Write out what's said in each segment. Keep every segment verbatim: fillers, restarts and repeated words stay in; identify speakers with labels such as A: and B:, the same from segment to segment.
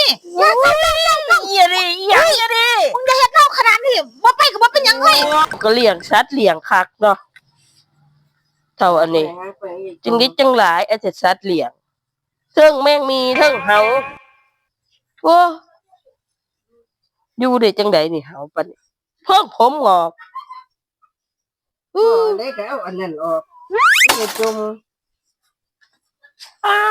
A: นี่อย่าอย่าอย่าอย่าดิอย่าอย่าดิมึงจะเฮ็ดเล่าขนาดนี้บ่ไปก็บ่เป็นหยังเฮ้ยก็เลี้ยงสัตว์เลี้ยงคักเนาะเท่าอันนี้จึงนิดจังหลายไอ้สัตว์เลี้ยงเทิงแมงมีเทิงเห่าโอ้อยู่ได้จังไดนี่เห่าปานนี้เพิ่งผมงอก
B: อือได้ก็เอาอันนั้นออกไปจุ่ม
A: อ้า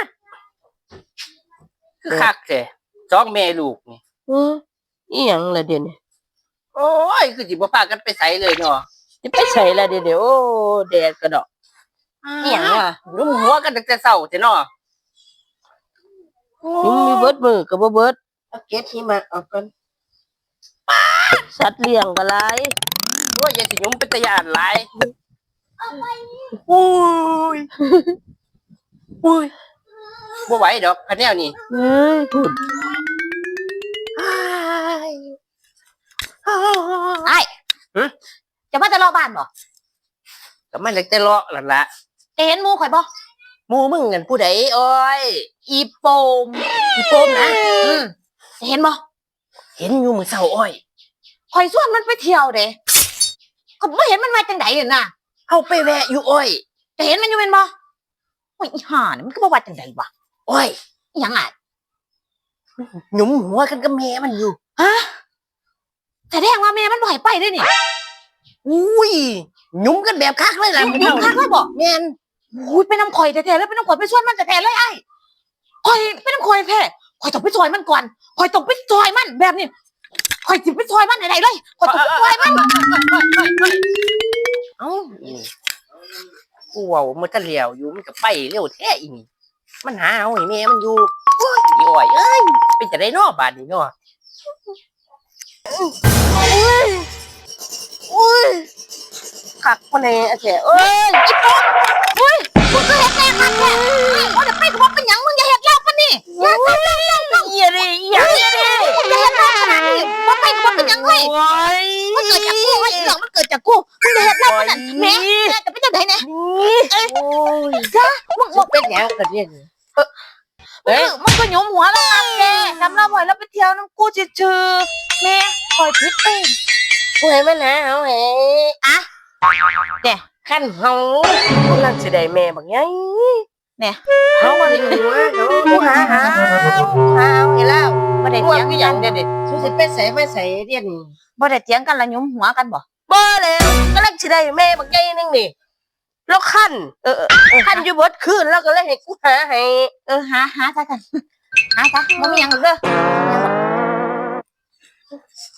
A: คือคักแท้สองแม่ลูกนี่เอออีหยังล่ะเดี๋ยวนี้โอ้ยคือสิบ่พากันไปไสเลยเนาะสิไปไสล่ะเดี๋ยวนี้โอ้แดดกระดอกอีหยังอ่ะรุมหัวกันตั้งแต่เช้าแท้เนาะยุงมีเบิดมือก็บ่เบิด
B: เอาเก็ดหิมะออกก่อน
A: สัตว์เลี้ยงก็หลายโอ้ยอย่าสิยุงเป็นตาย้านหลายอุ้ยอุ้ยบ่ไหวดอกคันแนวนี้เอ้ยพูดไอ้หึจะมาจะเลาะบ้านบ่ก็มันเล็กแต่เลาะนั่นล่ะเห็นหมู่ข่อยบ่หมู่มึงนั่นผู้ใดโอ้ยอีโปมอีโปมนะอืมเห็นบ่เห็นอยู่มื้อเช้าอ้อยข่อยชวนมันไปเที่ยวเด้ก็บ่เห็นมันมาจังได๋น่ะเฮาไปแวะอยู่อ้อยจะเห็นมันอยู่แม่นบ่โอ้ยอีห่านี่มันก็บ่ว่าจังได๋วะโอ้ยอีหยังอ่ะหยุมหัวกันกับแม่มันอยู่ฮะแสดงว่าแม่มันบ่ให้ไปเด้นี่อุ้ยหยุมกันแบบคักเลยล่ะหยุมคักเลยบ่แม่นอุ้ยไปนำข่อยแท้ๆแล้วไปนำข่อยไปชวนมันแท้ๆเลยไอ้ข่อยไปนำข่อยแท้ข่อยต้องไปซอยมันก่อนข่อยต้องไปซอยมันแบบนี้ข่อยสิไปซอยมันได้เลยข่อยต้องไปซอยมันเอ้ากูเว้ามันก็เลี้ยวอยู่มันก็ไปเร็วแท้อีนี่มันหาเอาให้แม่มันอยู่โอ้ยอีอ้อยเอ้ยเป็นจะได้นอบาดนี้เนาะโอ้ยโอ้ยคักมาแน่แท้เอ้ยอีป๊อกโอ้ยมึงก็เฮ็ดแน่คักแท้บ่ได้ไปก็บ่เป็นหยังมึงอย่าเฮ็ดแล้วปานนี้อย่าทำแล้วอย่าดิอย่าดิมึงอย่าเฮ็ดแล้วขนาดนี้บ่ไปก็บ่เป็นหยังเฮ้ยมันเกิดจากกูเฮ้ยเรื่องมันเกิดจากกูมึงอย่าเฮ็ดแล้วขนาดแม่แม่จะเป็นจังได๋แน่โอ้ยจ้ามึงบ่เป็นหยังก็เรียนเอ้ยมันก็หยุมหัวแล้วครับแกทำเราบ่อยแล้วไปเที่ยวน้ำกูชื่อๆแม่คอยพิษเองกูให้มันหาเอาให้อะเนี่ยขั้นเฮากำลังสิได้แม่บักไงเนี่ยเฮามันหัวเดี๋ยวกูหาหาหาเอาให้แล้วบ่ได้เถียงกันเด็ดๆ
B: สุสิไปใส่มาใส่เรียนนี่
A: บ่ได้เถียงกันละหยุมหัวกันบ่บ่แล้วกำลังสิได้แม่บักไงนึงนี่แล้วขั้นเออขั้นอยู่เบิดคืนแล้วก็เลยให้กูหาให้เออหาหาซะกันหาซะบ่มีหยังหรอกเด้อ